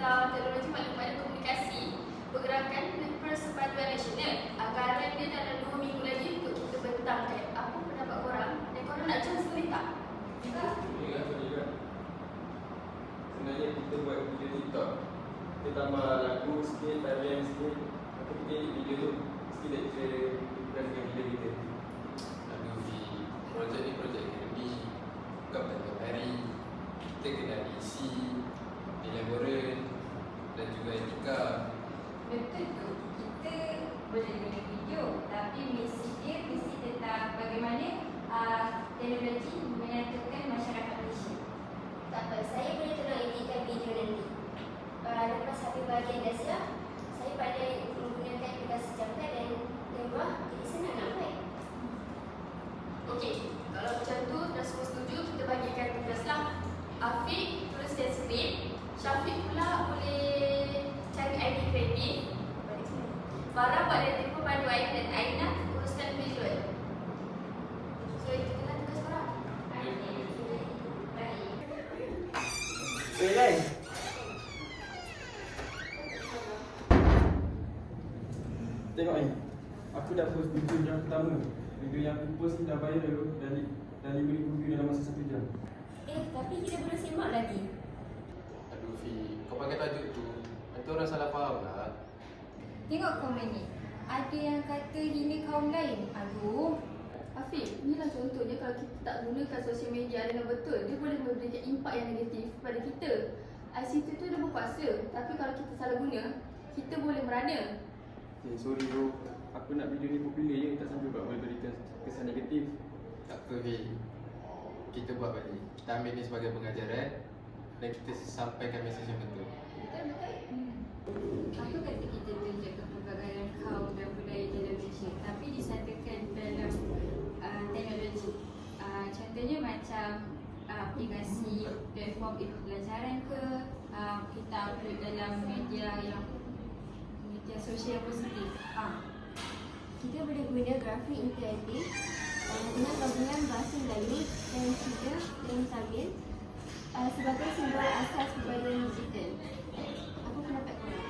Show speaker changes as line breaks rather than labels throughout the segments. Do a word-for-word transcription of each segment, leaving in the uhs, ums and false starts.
tentang teknologi maklumat dan komunikasi Pergerakan Persepaduan Nasional. Anggaran dia dalam dua minggu lagi untuk kita bentangkan. Apa pendapat korang? Dan korang nak join sekali tak?
Juga. Juga, juga. Sebenarnya kita buat video TikTok. Kita tambah lagu sikit, tarian sikit. Lepas kita edit video tu. Mesti dah kita impress dengan video kita.
Aduh, di projek ni projek akademi. Bukan tiap hari. Kita kena ada isi, nilai moral dan juga etika.
Betul tu. Kita boleh guna video, tapi misi dia mesti tentang bagaimana uh, teknologi menyatukan masyarakat Malaysia.
Tak apa, saya boleh tolong editkan video nanti. Uh, lepas habis bahagian dasar, saya pandai menggunakan aplikasi Jamkan dan Canva, jadi senang nak buat.
Okey, kalau macam tu dah semua setuju, kita bagikan tugaslah. Afiq tuliskan skrip, Syafiq pula boleh cari idea kreatif. Farah buat dari tempoh panduan dan Aina uruskan visual. So itu adalah tugas korang.
Eh, Lai. Tengok ni. Aku dah post video yang pertama. Video yang aku post ni dah viral dah, dah lima ribu view dalam masa satu jam.
Eh, tapi kita belum simak lagi.
Aduh, Fi, kau pakai tajuk tu, nanti orang salah faham lah.
Tengok komen ni. Ada yang kata hina kaum lain. Aduh.
Afiq, inilah contohnya kalau kita tak gunakan sosial media dengan betul, dia boleh memberikan impak yang negatif kepada kita. I C T tu dah berkuasa, tapi kalau kita salah guna, kita boleh merana.
Okay, sorry bro. Aku nak video ni popular je, tak sampai buat boleh berikan kesan negatif.
Tak apa, Fi. Kita buat balik. Kita ambil ni sebagai pengajaran dan kita sampaikan mesej yang betul.
Betul, betul. Hmm. Apa kata kita tunjukkan kepelbagaian kaum dan budaya dalam Malaysia, tapi disatukan dalam uh, teknologi. Uh, contohnya macam uh, aplikasi platform pelajaran ke, uh, kita upload dalam media yang media sosial yang positif. Uh.
Kita boleh guna grafik interaktif uh, dengan gabungan bahasa Melayu dan juga dan Tamil uh, sebagai simbol asas perpaduan digital. Apa pendapat korang?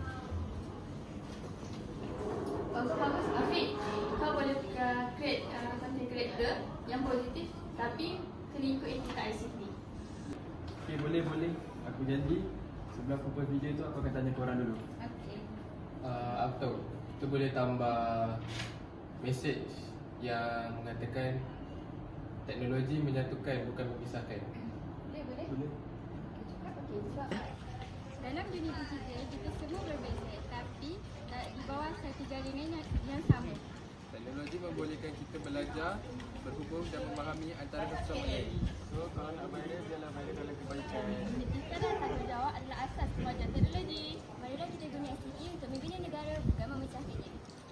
Bagus-bagus. Afiq, kau boleh uh, create uh, content creator yang positif, tapi kena ikut etika I C T.
Okay, boleh, boleh. Aku janji sebelum aku post video tu aku akan tanya korang dulu.
Okey.
Uh, apa tahu, kita boleh tambah mesej yang mengatakan teknologi menyatukan bukan memisahkan.
Boleh, boleh.
Boleh?
Okey, sebab dalam dunia digital kita semua berbeza, tapi uh, di bawah satu jaringan yang, yang sama.
Teknologi membolehkan kita belajar, berhubung dan memahami antara satu sama lain.
So, kalau nak viral, biarlah viral dalam kebaikan.
Etika dan tanggungjawab adalah asas kemajuan teknologi. Marilah kita guna I C T untuk membina negara, bukan memecahkannya.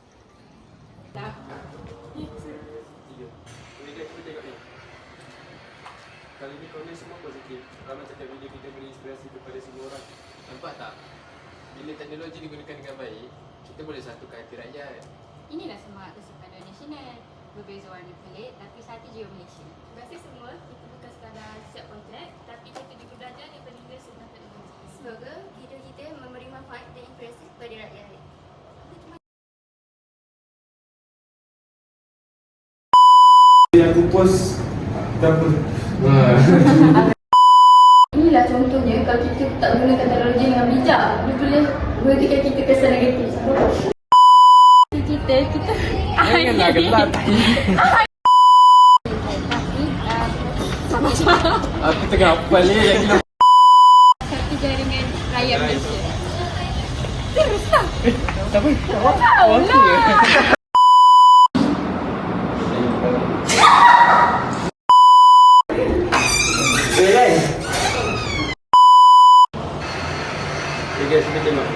Tiga. Boleh guys, kita tengok ni. Kali ni komen semua positif. Ramai cakap video kita beri inspirasi kepada semua orang.
Nampak tak? Bila teknologi digunakan dengan baik, kita boleh satukan hati rakyat.
Inilah semangat Persatuan Nasional. Berbeza warna pelik, tapi satu jiwa Malaysia.
Terima kasih semua. Kita bukan sekadar siap kontrak, tapi kita juga belajar daripada Inggris tentang teknologi.
Semoga video kita memberi manfaat dan inspirasi kepada rakyat.
Yang aku post berapa?
Inilah contohnya kalau kita tak gunakan teknologi dengan bijak, dia boleh memberikan kita kesan negatif.
Kita, kita
Janganlah gelap. Aku tengah hafal ni yang kita.
satu jaringan rakyat Malaysia. Teruslah.
Siapa?
Tahu lah.
Eh, guys. Okay guys, kita tengok.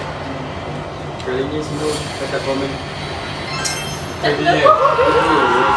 Kali ni semua kata komen. Jadi,